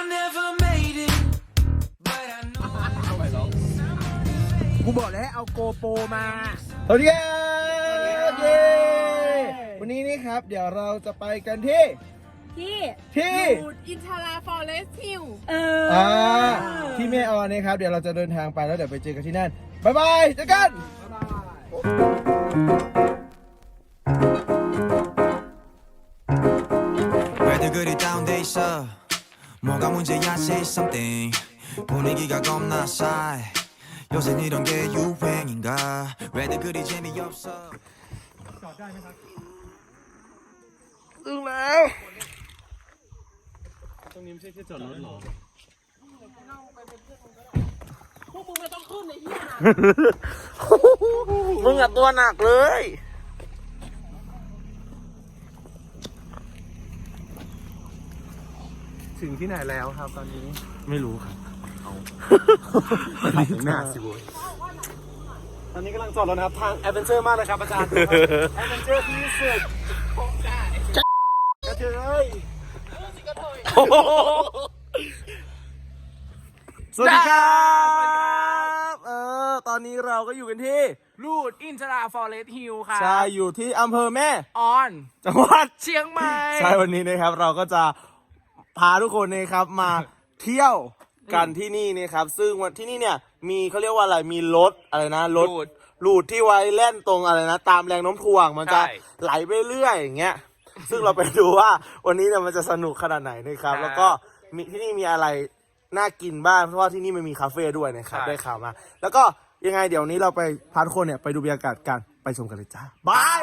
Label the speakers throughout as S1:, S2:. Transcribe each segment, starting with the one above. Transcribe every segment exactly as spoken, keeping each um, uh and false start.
S1: กูบอกแล้วเอาโกโปรมาสวัสดีครับเย้วันนี้นี่ครับเดี๋ยวเราจะไปกันที่
S2: ที่
S1: ที่
S2: อินทราฟอเรสต์ฮิลเออ
S1: อ่าที่แม่ออนนะครับเดี๋ยวเราจะเดินทางไปแล้วเดี๋ยวไปเจอกันที่นั่นบ๊ายบายเจอกันถึงแล้ว
S3: ตรงนี้ไม่ใช่ที่จอดรถหรอ
S2: พวกมึงไม่ต้องขึ้นในที่นะ
S1: มึงอะตัวหนักเลย
S3: ถึงที่ไหนแล้วครับตอนนี้
S1: ไม่รู้ครับ
S3: เอาถึงหน้าสิโว้ยตอนนี้กำลังจอดรถนะครับทางแอดเวนเจอร์มากเลยครับอาจารย์แอดเวนเจอร์ที่สุดกระเทยสวัสดีครับเออตอนนี้เราก็อยู่กันที่
S1: ลูดอินทราฟอเรสต์ฮิลค่ะ
S3: ใช่อยู่ที่อำเภอแม่
S1: ออน
S3: จังหวัด
S1: เชียงใหม่
S3: ใช่วันนี้นะครับเราก็จะพาทุกคนนะครับมาเที่ยวกันที่นี่นะครับซึ่งวันที่นี่เนี่ยมีเขาเรียกว่าอะไรมีรถอะไรนะรถลูดที่ไว้แล่นตรงอะไรนะตามแรงโน้มถ่วงมันจะไหลไปเรื่อยอย่างเงี้ยซึ่งเราไปดูว่าวันนี้เนี่ยมันจะสนุกขนาดไหนนะครับแล้วก็มีที่นี่มีอะไรน่ากินบ้างเพราะว่าที่นี่มันมีคาเฟ่ด้วยนะครับได้ข่าวมาแล้วก็ยังไงเดี๋ยวนี้เราไปพาทุกคนเนี่ยไปดูบรรยากาศกันไปชมกันเลยจ้าบาย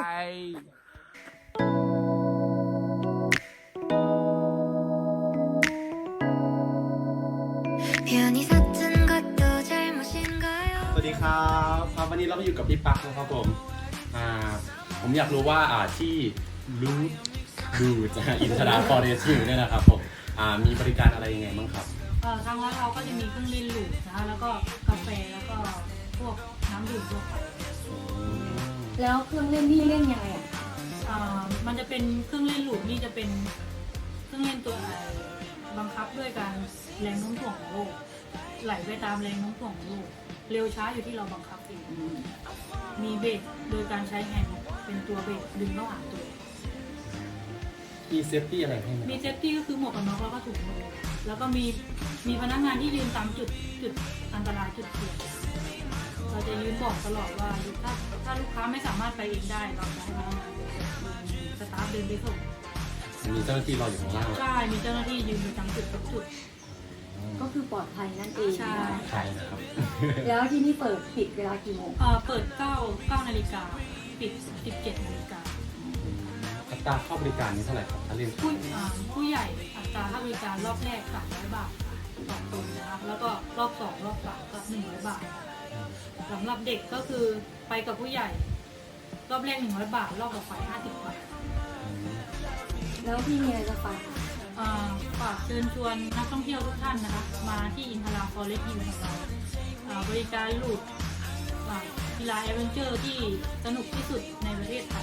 S3: สวัสดีครับครับวันนี้เราก็อยู่กับพี่ปักนะครับผมอ่าผมอยากรู้ว่าอ่าที่รูทดูจากอินทราฟอเรสต์ฮิลเนี่ยนะครับผมอ่ามีบริการอะไรยังไงบ้างครับ
S2: เอ่อทางร้านเราก็จะมีเครื่องเล่นลูดนะคะแล้วก็กาแฟแล้วก็พวกน้ำดื่มทั่วไป
S4: แล้วเครื่องเล่นนี่เล่นยังไงอ่ะ
S2: อ่ามันจะเป็นเครื่องเล่นลูดนี่จะเป็นเครื่องเล่นตัวบังคับด้วยการแรงโน้มถ่วงของโลกไหลไปตามแรงโน้มถ่วงของโลกเร็วช้าอยู่ที่เราบังคับเองมีเบรกโดยการใช้แฮนด์เป็นตัวเบรกดึงระหว่างตัว
S3: มีเซฟตี้อะไรให้ไหม
S2: มีเซฟตี้ก็คือหมวกกันน็อกแล้วก็ถุงมือแล้วก็มีมีพนักงานที่ยืนตามจุดจุดอันตรายจุดเสี่ยงเราจะยืนบอกตลอดว่าถ้าถ้าลูกค้าไม่สามารถไปเองได้เราจะให้พนักงานสตาฟเดินไปส่ง
S3: มีเจ้าหน้าที่รออยู่ข้างล่าง
S2: ใช่มีเจ้าหน้าที่ยืนอยู่ตามจุดทุกจุด
S4: ก็คือปลอดภัยนั่นเอง
S2: ใช่
S3: ใช่นะครับ
S4: แล้วที่นี่เปิดปิดเวลากี่โมง
S2: เอ่อเปิดเก้าเก้านาฬิกาปิดสิบเจ็ดนาฬิกา
S3: อัตราเข้าบริการนี้เท่าไหร่ครับถ้าเล่น
S2: ผู้ผู้ใหญ่อัตราค่าบริการรอบแรกสามร้อยบาทต่อคนนะคะแล้วก็รอบสองรอบสามก็หนึ่งร้อยบาทสำหรับเด็กก็คือไปกับผู้ใหญ่รอบแรกหนึ่งร้อยบาทรอบต่อไปห้าสิบบาท
S4: แล้วพี่มีอะไรจะฝาก
S2: ฝากเชิญชวนนักท่องเที่ยวทุกท่านนะคะมาที่อินทราฟอเรสต์ฮิลของเราบริการลูดกีฬาแอดเวนเจอร์ที่สนุกที่สุดในประเทศไทย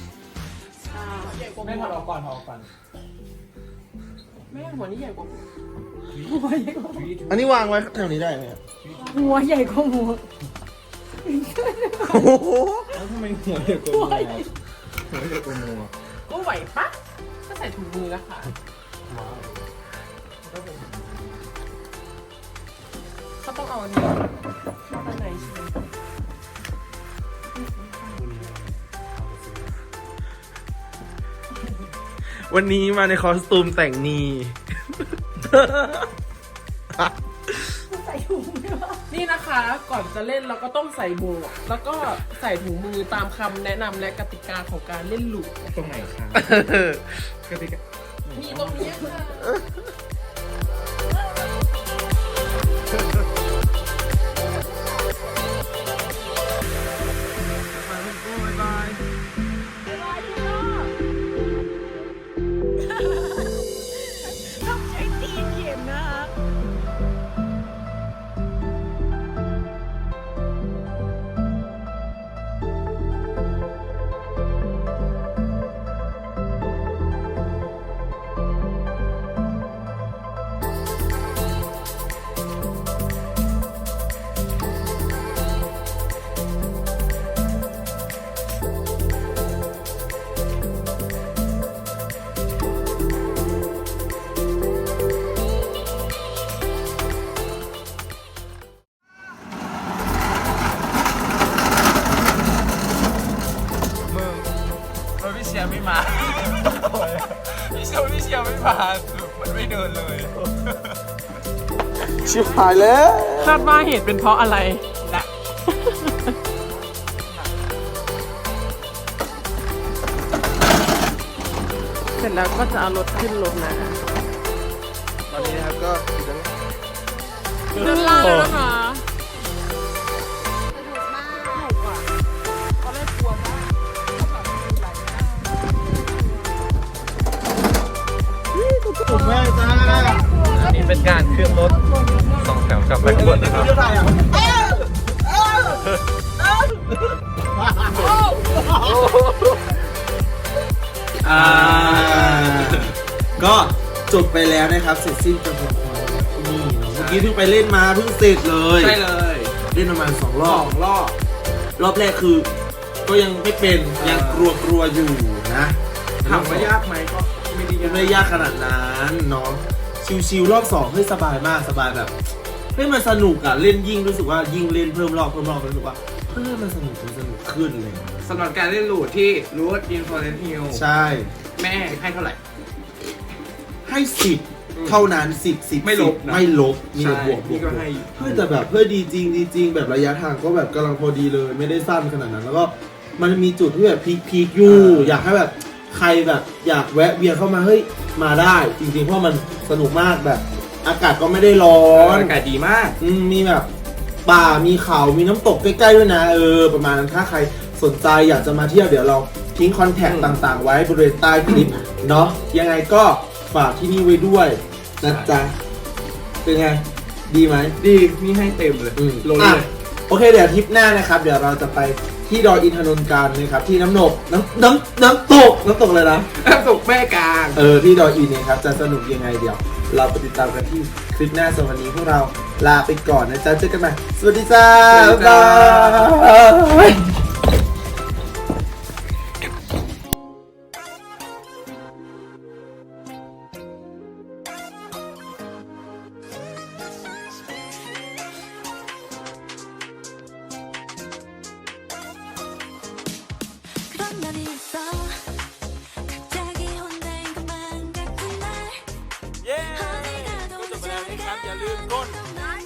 S3: ไม่ถอดออกก่อนถอดออกก่อน
S2: ไม่หัวนี้ใหญ่กว่า
S1: อันนี้วางไว้แถวนี้ได้ไหม
S4: หัวใหญ่กว่าหัว
S1: โอ้โห
S3: แล้วทำไมหัวใหญ่กว่าหัวหัวใหญ่กว่าหัว
S2: ก็ไหวปะก็ใส่ถุงมือแล้วค่ะเขาต้องเอาอันนี้ข้างในใช่ไหม
S1: วันนี้มาในคอสตูมแต่งนี
S2: ใส่ถุงมือนี่นะคะก่อนจะเล่นเราก็ต้องใส่หมวกแล้วก็ใส่ถุงมือตามคำแนะนำและกติกาของการเล่นลูด
S3: ตรงไหนครับกติกา
S2: มีตรงนี้ค่ะ
S5: พาสุดมันไม่เดินเลย
S3: ชิบหายแล้ว
S6: คาดว่าเหตุเป็นเพราะอะไรนะ เสร็จแล้วก็จะเอารถขึ้นรถนะ
S3: ตอนนี้นะครับก็
S6: ขึ้นล่างแล้วนะคะ
S3: ถูกแม่จ้า
S5: อันนี้เป็นการเคลื่อนรถสองแถวกลับไปขบวนนะครับ
S3: เรื่องอะไรอ่ะอ่าก็จบไปแล้วนะครับ เสร็จสิ้นกระบวนความที่นี่เนาะเมื่อกี้เพิ่งไปเล่นมาเพิ่งเสร็จเลย
S1: ใช่เลย
S3: เล่นประมาณสองร
S1: ส
S3: อ
S1: อบ งรอบ
S3: รอบแรกคือ ก็ยังไม่เป็นยังกลัวกลัวๆอยู่นะ
S1: ถามว่ายากไหมก็ไม่ได้
S3: ยั
S1: ยาง ก
S3: ไม่ได้ยากขนาดนั้นเนาะชิวๆรอบสองเฮ้ยสบายมากสบายแบบเฮ้ยมันสนุกอะเล่นยิ่งรู้สึกว่ายิ่งเล่นเพิ่มรอบเพิ่มรอบรู้สึกว่าเฮ้ยมันสนุกมันสนุกขึ้นเลย
S1: สำหรับการเล่นลูดที่รูทอินฟอร์เรนฮิล
S3: ใช่
S1: แม่ให้เท่าไหร่
S3: ให้สิบเท่านั้นสิบสิบ
S1: ไม่ลบนะ
S3: ไม่ลบมีแต่บวก
S1: นี่ก็ให้
S3: เฮ้ยแต่แบบเพื่อดีจริงดีจริงแบบระยะทางก็แบบกำลังพอดีเลยไม่ได้สั้นขนาดนั้น แล้วก็มันมีจุดที่แบบพีคพีคอยู่ อยากให้แบบใครแบบอยากแวะเวียนเข้ามาเฮ้ยมาได้จริงๆเพราะมันสนุกมากแบบอากาศก็ไม่ได้ร้อน
S1: อากาศดีมาก
S3: อืมมีแบบป่ามีเขามีน้ำตกใกล้ๆด้วยนะเออประมาณนั้นถ้าใครสนใจอยากจะมาเที่ยวเดี๋ยวเราทิ้งคอนแทคต่างๆ ไว้บริเวณใต้คลิปเนาะยังไงก็ฝากที่นี่ไว้ด้วยนะจ๊ะเป็นไงดีไหม
S1: ดีนี่ให้เต็มเลย
S3: อืม
S1: ลง
S3: อ่ะ
S1: เลย
S3: โอเคเดี๋ยวทริปหน้านะครับเดี๋ยวเราจะไปที่ดอยอินทนนท์กันนะครับที่น้ำหนกน้ำน้ำน้ำตกน้ำตกเลยนะ
S1: น้ำตกแม่กลาง
S3: เออที่ดอยอินเนี่ยครับจะสนุกยังไงเดี๋ยว เราไปติดตามกันที่คลิปหน้าสำหรับวันนี้พวกเราลาไปก่อนนะจ๊ะเจอกันใหม่สวัสดีจ้า
S1: สวัสดี
S3: บ๊าย
S1: จ้า
S3: บาย
S7: 그런 날이 있어 갑자기 혼자인 것만 같은 날
S3: เย้
S7: 어디 가도
S3: จบไปแล้วนะครับอย่าลืมกด
S7: 날